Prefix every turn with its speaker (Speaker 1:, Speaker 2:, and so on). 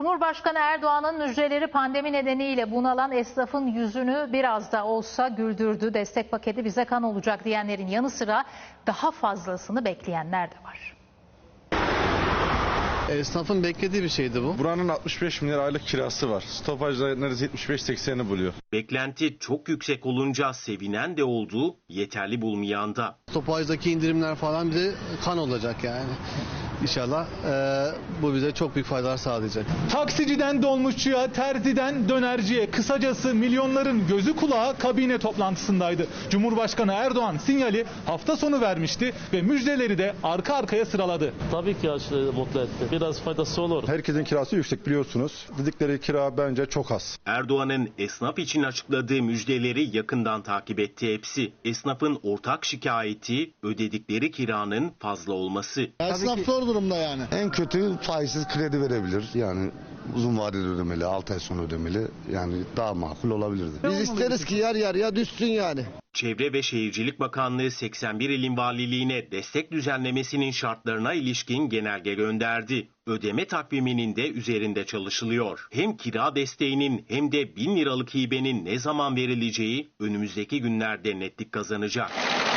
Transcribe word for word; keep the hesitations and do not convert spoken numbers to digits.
Speaker 1: Cumhurbaşkanı Erdoğan'ın müjdeleri pandemi nedeniyle bunalan esnafın yüzünü biraz da olsa güldürdü. Destek paketi bize kan olacak diyenlerin yanı sıra daha fazlasını bekleyenler de var.
Speaker 2: Esnafın beklediği bir şeydi bu.
Speaker 3: Buranın altmış beş milyar aylık kirası var. Stopajda neredeyse yetmiş beş sekseni buluyor.
Speaker 4: Beklenti çok yüksek olunca sevinen de oldu, yeterli bulmayan da.
Speaker 2: Stopajdaki indirimler falan bize kan olacak yani. İnşallah e, bu bize çok büyük faydalar sağlayacak.
Speaker 5: Taksiciden dolmuşçuya, terziden dönerciye, kısacası milyonların gözü kulağı kabine toplantısındaydı. Cumhurbaşkanı Erdoğan sinyali hafta sonu vermişti ve müjdeleri de arka arkaya sıraladı.
Speaker 6: Tabii ki aşırı mutlu etti. Biraz faydası olur.
Speaker 3: Herkesin kirası yüksek biliyorsunuz. Dedikleri kira bence çok az.
Speaker 4: Erdoğan'ın esnaf için açıkladığı müjdeleri yakından takip etti hepsi. Esnafın ortak şikayeti ödedikleri kiranın fazla olması.
Speaker 7: Esnaf zor durumda yani.
Speaker 8: En kötü faizsiz kredi verebilir. Yani uzun vadeli ödemeli, altı ay sonra ödemeli. Yani daha makul olabilirdi.
Speaker 7: Biz isteriz ki yer yarıya düşsün yani.
Speaker 4: Çevre ve Şehircilik Bakanlığı seksen bir ilin valiliğine destek düzenlemesinin şartlarına ilişkin genelge gönderdi. Ödeme takviminin de üzerinde çalışılıyor. Hem kira desteğinin hem de bin liralık hibenin ne zaman verileceği önümüzdeki günlerde netlik kazanacak.